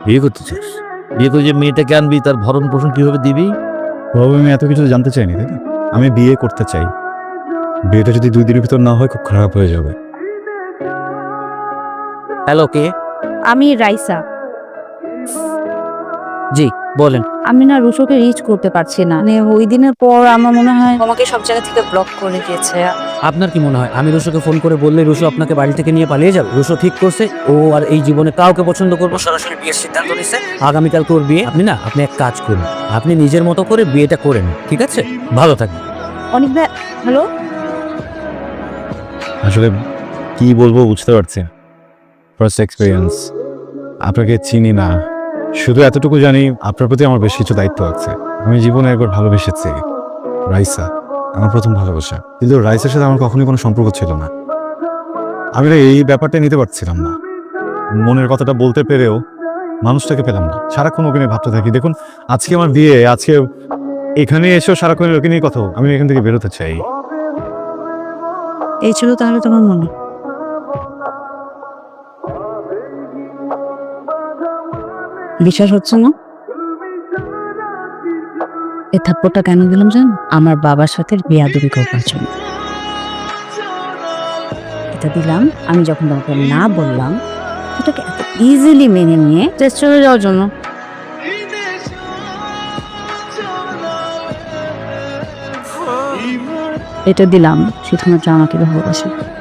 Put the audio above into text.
বিয়ে করতে চাস? বিয়ে করে যে মেয়েটাকে আনবি তার ভরণ পোষণ কিভাবে দিবি? বাবু আমি এত কিছু জানতে চাইনি, তাই না? আমি বিয়ে করতে চাই। বিয়েটা যদি 2 দিনের ভিতর না হয় খুব খারাপ হয়ে যাবে। হ্যালো, কে? আমি রাইসা। জি বলেন। আমি না রুশোকে রিচ করতে পারছি না, মানে ওই দিনের পর আমার মনে হয় আমাকে সব জায়গা থেকে ব্লক করে দিয়েছে। আপনার কি মনে হয় আমি রুশোকে ফোন করে বললে রুশো আপনাকে বাড়ি থেকে নিয়ে পালিয়ে যাবে? রুশো ঠিক করছে ও আর এই জীবনে কাউকে পছন্দ করবো, সরাসরি বিয়ের সিদ্ধান্ত নিচ্ছে। আগামীকালকে ওর বিয়ে। আপনি এক কাজ করুন, আপনি নিজের মতো করে বিয়েটা করে নিন, ঠিক আছে? ভালো থাকবেন। অনেক হ্যালো। আসলে কি বলবো বুঝতে পারছি না। ফার্স্ট এক্সপিরিয়েন্স, আপনাকে চিনি না, শুধু এতটুকু জানি আপনার প্রতি আমার বেশ কিছু দায়িত্ব আছে। আমি জীবনে একবার ভালোবেসেছি রাইসা, আমার প্রথম ভালোবাসা। কিন্তু রাইসার সাথে আমার কখনোই কোনো সম্পর্ক ছিল না। আমি না এই ব্যাপারটা নিতে পারছিলাম না। মনের কথাটা বলতে পেরেও মানুষটাকে পেলাম না। সারাক্ষণ ওকে নিয়ে ভাবতে থাকি। দেখুন আজকে আমার বিয়ে, আজকে এখানে এসেও সারাক্ষণ ওকে নিয়ে কথা। আমি এখান থেকে বেরোতে চাই। এই ছিল তাহলে তোমার মনে? বিশ্বাস হচ্ছে না? এই থাপ্পড়টা কেন দিলাম জানো? আমার বাবার সাথে বেয়াদবি করবার জন্য এটা দিলাম। আমি যখন তোমাকে না বললাম, এটাকে এত ইজিলি মেনে নিয়ে টেস্ট চলে যাওয়ার জন্য। এটা দিলাম শুধুমাত্র আমাকে ভালোবাসে।